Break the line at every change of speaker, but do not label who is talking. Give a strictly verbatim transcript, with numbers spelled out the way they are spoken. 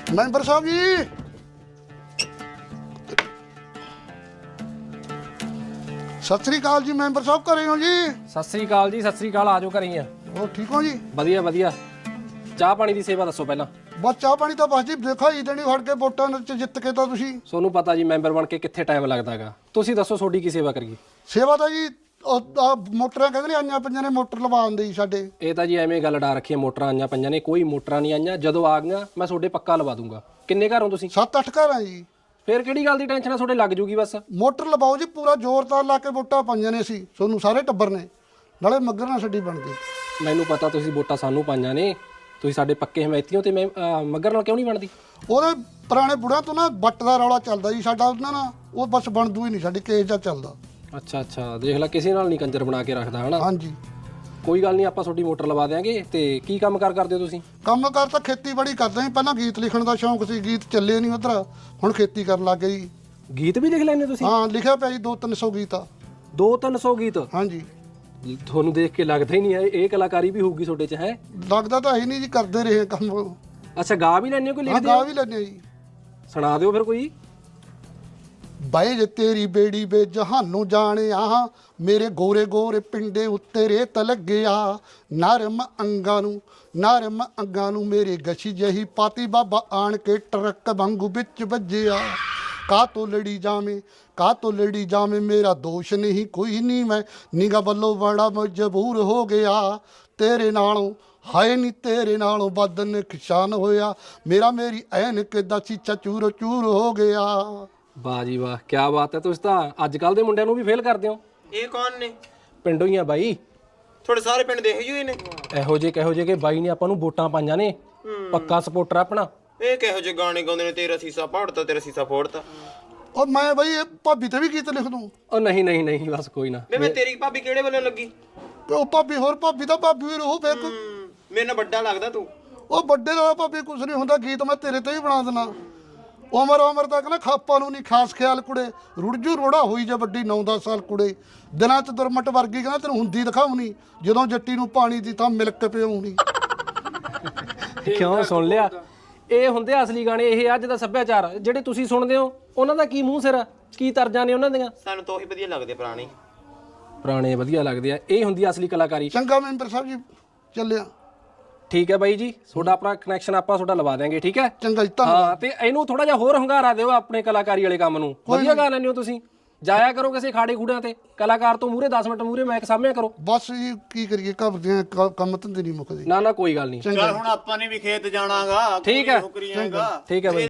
Member ਸਾਹਿਬ ਜੀ ਸਤਿ ਸ੍ਰੀ ਅਕਾਲ ਜੀ। ਮੈਂਬਰ ਸਾਹਿਬ ਘਰੇ ਹੋ ਜੀ?
ਸਤਿ ਸ੍ਰੀ ਅਕਾਲ ਜੀ, ਸਤਿ ਸ੍ਰੀ ਅਕਾਲ। ਆਜੋ ਘਰੇ ਹੀ ਆ।
ਹੋਰ ਠੀਕ ਹੋ ਜੀ?
ਵਧੀਆ ਵਧੀਆ। ਚਾਹ ਪਾਣੀ ਦੀ ਸੇਵਾ ਦੱਸੋ ਪਹਿਲਾਂ।
ਬਸ ਚਾਹ ਪਾਣੀ ਤਾਂ ਬਸ ਜੀ ਦੇਖਾ ਹੀ ਦੇਣੀ ਫੜ ਕੇ ਵੋਟਾਂ ਚ ਜਿੱਤ ਕੇ ਤਾਂ ਤੁਸੀਂ।
ਤੁਹਾਨੂੰ ਪਤਾ ਜੀ ਮੈਂਬਰ ਬਣ ਕੇ ਕਿੱਥੇ ਟਾਈਮ ਲੱਗਦਾ ਹੈਗਾ। ਤੁਸੀਂ ਦੱਸੋ ਤੁਹਾਡੀ ਕੀ ਸੇਵਾ ਕਰੀਏ।
ਸੇਵਾ ਤਾਂ ਜੀ ਉਹ ਆਹ ਮੋਟਰਾਂ ਕਹਿੰਦੇ ਨੇ ਆਈਆਂ ਪੰਜਾਂ ਨੇ ਮੋਟਰ ਲਵਾ ਦਿੰਦੇ ਜੀ ਸਾਡੇ।
ਇਹ ਤਾਂ ਜੀ ਐਵੇਂ ਗੱਲ ਡਾ ਰੱਖੀ ਹੈ, ਮੋਟਰਾਂ ਆਈਆਂ ਪੰਜਾਂ ਨੇ। ਕੋਈ ਮੋਟਰਾਂ ਨਹੀਂ ਆਈਆਂ। ਜਦੋਂ ਆ ਗਈਆਂ ਮੈਂ ਤੁਹਾਡੇ ਪੱਕਾ ਲਵਾ ਦੂੰਗਾ। ਕਿੰਨੇ ਘਰ ਹੋ ਤੁਸੀਂ?
ਸੱਤ ਅੱਠ ਘਰ ਆ ਜੀ।
ਫੇਰ ਕਿਹੜੀ ਗੱਲ ਦੀ ਟੈਨਸ਼ਨ ਆ, ਤੁਹਾਡੇ ਲੱਗ ਜੂਗੀ ਬਸ।
ਮੋਟਰ ਲਵਾਓ ਜੀ, ਪੂਰਾ ਜ਼ੋਰਦਾਰ ਲਾ ਕੇ ਵੋਟਾਂ ਪਾਈਆਂ ਨੇ ਅਸੀਂ ਤੁਹਾਨੂੰ ਸਾਰੇ ਟੱਬਰ ਨੇ, ਨਾਲੇ ਮੱਗਰ ਨਾਲ ਛੱਡੀ ਬਣ ਗਈ।
ਮੈਨੂੰ ਪਤਾ ਤੁਸੀਂ ਵੋਟਾਂ ਸਾਨੂੰ ਪਾਈਆਂ ਨੇ, ਤੁਸੀਂ ਸਾਡੇ ਪੱਕੇ ਹਮਾਇਤੀਓ ਤੇ ਮੈਂ ਅਹ, ਮੱਗਰ ਨਾਲ ਕਿਉਂ ਨਹੀਂ ਬਣਦੀ?
ਉਹਦੇ ਪੁਰਾਣੇ ਬੁੜਿਆਂ ਤੋਂ ਨਾ ਵੱਟ ਦਾ ਰੌਲਾ ਚੱਲਦਾ ਜੀ ਸਾਡਾ ਉਹਨਾਂ ਨਾਲ, ਉਹ ਬਸ ਬਣਦੂ ਹੀ ਨਹੀਂ ਸਾਡੀ ਕੇਸ ਦਾ ਚੱਲਦਾ।
ਅੱਛਾ ਅੱਛਾ, ਦੇਖ ਲੈ ਕਿਸੇ ਨਾਲ ਨਹੀਂ ਕੰਜਰ ਬਣਾ ਕੇ ਰੱਖਦਾ ਹਨਾ।
ਹਾਂਜੀ
ਕੋਈ ਗੱਲ ਨਹੀਂ, ਆਪਾਂ ਤੁਹਾਡੀ ਮੋਟਰ ਲਵਾ ਦਿਆਂਗੇ। ਤੇ ਕੀ ਕੰਮ ਕਾਰ ਕਰਦੇ ਹੋ ਤੁਸੀਂ?
ਕੰਮ ਕਾਰ ਤਾਂ ਖੇਤੀਬਾੜੀ ਕਰਦੇ ਸੀ, ਪਹਿਲਾਂ ਗੀਤ ਲਿਖਣ ਦਾ ਸ਼ੌਂਕ ਸੀ, ਗੀਤ ਚੱਲੇ ਨਹੀਂ ਉਧਰ, ਹੁਣ ਖੇਤੀ ਕਰਨ ਲੱਗ ਗਏ ਜੀ।
ਗੀਤ ਵੀ ਲਿਖ ਲੈਂਦੇ ਤੁਸੀਂ?
ਹਾਂ ਲਿਖਿਆ ਪਿਆ ਜੀ ਦੋ ਤਿੰਨ ਸੌ ਗੀਤ ਆ।
ਦੋ ਤਿੰਨ ਸੌ ਗੀਤ?
ਹਾਂਜੀ।
ਤੁਹਾਨੂੰ ਦੇਖ ਕੇ ਲੱਗਦਾ ਹੀ ਨਹੀਂ ਹੈ ਇਹ ਕਲਾਕਾਰੀ ਵੀ ਹੋਊਗੀ ਤੁਹਾਡੇ 'ਚ। ਹੈ
ਲੱਗਦਾ ਤਾਂ ਹੈ ਨਹੀਂ ਜੀ, ਕਰਦੇ ਰਹੇ ਕੰਮ।
ਅੱਛਾ, ਗਾ ਵੀ ਲੈਂਦੇ ਹੋ ਕੋਈ
ਹਾਂ
ਲਿਖਦੇ
ਗਾ
ਹੋ?
ਵੀ ਲੈਂਦੇ ਜੀ।
ਸੁਣਾ ਦਿਓ ਫਿਰ ਕੋਈ।
ਬਾਈ ਜੇ ਤੇਰੀ ਬੇੜੀ ਵੇ ਜਹਾਨੂੰ ਜਾਣਿਆ, ਮੇਰੇ ਗੋਰੇ ਗੋਰੇ ਪਿੰਡੇ ਉੱਤੇ ਰੇਤ ਲੱਗਿਆ, ਨਰਮ ਅੰਗਾਂ ਨੂੰ ਨਰਮ ਅੰਗਾਂ ਨੂੰ ਮੇਰੇ ਗਛੀ ਜਹੀ ਪਾਤੀ, ਬਾਬਾ ਆਣ ਕੇ ਟਰੱਕ ਵਾਂਗੂ ਵਿੱਚ ਵੱਜਿਆ। ਕਾ ਤੋਂ ਲੜੀ ਜਾਵੇਂ ਕਾ ਤੋਂ ਲੜੀ ਜਾਵੇਂ, ਮੇਰਾ ਦੋਸ਼ ਨਹੀਂ ਕੋਈ ਨਹੀਂ, ਮੈਂ ਨਿਗਾ ਵੱਲੋਂ ਬੜਾ ਮਜਬੂਰ ਹੋ ਗਿਆ। ਤੇਰੇ ਨਾਲੋਂ ਹਾਏ ਨੀ ਤੇਰੇ ਨਾਲੋਂ ਵੱਧ ਨੁਕਸਾਨ ਹੋਇਆ, ਮੇਰਾ ਮੇਰੀ ਐਨਕ ਦਾ ਚੀਚਾ ਚੂਰ ਚੂਰ ਹੋ ਗਿਆ।
ਵਾਹ ਜੀ ਵਾਹ, ਕੀ ਬਾਤ ਹੈ। ਤੁਸੀਂ ਤਾਂ ਅੱਜ ਕੱਲ ਦੇ ਮੁੰਡਿਆਂ ਨੂੰ ਵੀ ਫੇਲ ਕਰਦੇ ਹੋ।
ਇਹ ਕੌਣ ਨੇ?
ਪਿੰਡੋਂ ਹੀ ਆ ਬਾਈ।
ਤੁਹਾਡੇ ਸਾਰੇ ਪਿੰਡ ਦੇ ਇਹੋ ਹੀ ਨੇ?
ਇਹੋ ਜਿਹੇ ਕਿਹੋ ਜਿਹੇ ਕਿ ਬਾਈ ਨੇ ਆਪਾਂ ਨੂੰ ਵੋਟਾਂ ਪਾਈਆਂ ਨੇ, ਪੱਕਾ ਸਪੋਰਟਰ ਆਪਣਾ।
ਇਹ ਕਿਹੋ ਜਿਹੇ ਗਾਣੇ ਗਾਉਂਦੇ ਨੇ, ਤੇਰਾ ਸੀਸਾ ਪਾੜਤਾ ਤੇਰਾ ਸੀਸਾ ਫੋੜਤਾ।
ਉਹ ਮੈਂ ਬਈ ਇਹ ਭਾਬੀ ਤੇ ਵੀ ਗੀਤ ਲਿਖ ਦੂੰ।
ਉਹ ਨਹੀਂ ਨਹੀਂ ਨਹੀਂ, ਬਸ ਕੋਈ ਨਾ।
ਵੇ ਮੈਂ ਤੇਰੀ ਭਾਬੀ ਕਿਹੜੇ ਵੱਲੋਂ ਲੱਗੀ?
ਤੇ ਉਹ ਭਾਬੀ ਹੋਰ ਭਾਬੀ ਦਾ ਭਾਬੀ ਵੀ ਰਹੂ ਫੇਰ ਕੋਈ।
ਹੂੰ, ਮੇਰੇ ਨਾਲ ਵੱਡਾ ਲੱਗਦਾ ਤੂੰ।
ਉਹ ਵੱਡੇ ਦਾ ਭਾਬੀ ਕੁਛ ਨਹੀਂ ਹੁੰਦਾ, ਗੀਤ ਮੈਂ ਤੇਰੇ ਤੇ ਵੀ ਬਣਾ ਦੇਣਾ। ਉਮਰ ਉਮਰ ਤੱਕ ਨਾ ਖਾਪਾ ਨੂੰ ਨਹੀਂ ਖਾਸ ਖਿਆਲ ਕੁੜੇ, ਰੁੜਜੂ ਰੋੜਾ ਹੋਈ ਜੇ ਵੱਡੀ ਨੌ ਦਸ ਸਾਲ ਕੁੜੇ, ਦਿਨਾਂ ਚ ਦੁਰਮਟ ਵਰਗੀ ਕਹਿੰਦਾ ਤੈਨੂੰ ਹੁੰਦੀ ਦਿਖਾਉਣੀ, ਜਦੋਂ ਜੱਟੀ ਨੂੰ ਪਾਣੀ ਦੀ ਤਾਂ ਮਿਲਕ ਪਿਆਉਣੀ।
ਕਿਉਂ ਸੁਣ ਲਿਆ? ਇਹ ਹੁੰਦੇ ਆ ਅਸਲੀ ਗਾਣੇ, ਇਹ ਅੱਜ ਦਾ ਸੱਭਿਆਚਾਰ। ਜਿਹੜੇ ਤੁਸੀਂ ਸੁਣਦੇ ਹੋ ਉਹਨਾਂ ਦਾ ਕੀ ਮੂੰਹ ਸਿਰ ਆ, ਕੀ ਤਰਜਾਂ ਨੇ ਉਹਨਾਂ ਦੀਆਂ।
ਸਾਨੂੰ ਤਾਂ ਉਹੀ ਵਧੀਆ ਲੱਗਦੇ ਪੁਰਾਣੇ।
ਪੁਰਾਣੇ ਵਧੀਆ ਲੱਗਦੇ ਆ, ਇਹ ਹੁੰਦੀ ਅਸਲੀ ਕਲਾਕਾਰੀ।
ਚੰਗਾ ਮੈਂਬਰ ਸਾਹਿਬ ਜੀ, ਚੱਲਿਆ।
ਠੀਕ ਹੈ ਬਾਈ ਜੀ, ਤੁਹਾਡਾ ਆਪਣਾ ਕਨੈਕਸ਼ਨ ਆਪਾਂ ਤੁਹਾਡਾ ਲਵਾ ਦਿਆਂਗੇ। ਠੀਕ ਹੈ,
ਚੰਗਾ ਜੀ, ਧੰਨਵਾਦ।
ਹਾਂ। ਤੇ ਇਹਨੂੰ ਥੋੜਾ ਜਿਹਾ ਹੋਰ ਹੰਗਾਰਾ ਦਿਓ ਆਪਣੇ ਕਲਾਕਾਰੀ ਵਾਲੇ ਕੰਮ ਨੂੰ। ਵਧੀਆ ਗਾ ਲੈਂਦੇ ਹੋ ਤੁਸੀਂ। ਜਾਇਆ ਕਰੋ ਕਿਸੇ ਖਾੜੇ ਖੂੜਿਆਂ ਤੇ, ਕਲਾਕਾਰ ਤੋਂ ਮੂਹਰੇ ਦਸ ਮਿੰਟ ਮੂਹਰੇ ਮੈਕ ਸਾਹਮਣੇ ਕਰੋ।
ਬਸ ਜੀ ਕੀ ਕਰੀਏ, ਘਰ ਦੇ ਕ- ਕੰਮ ਧੰਦੇ ਨਹੀਂ ਮੁੱਕਦੇ।
ਨਾ ਨਾ ਕੋਈ ਗੱਲ ਨਹੀਂ।
ਚੱਲ ਹੁਣ ਆਪਾਂ ਨੇ ਵੀ ਖੇਤ ਜਾਣਾਗਾ।
ਠੀਕ ਹੈ
ਨੌਕਰੀਆਂ ਹੈਗਾ।
ਠੀਕ ਹੈ ਬਾਈ।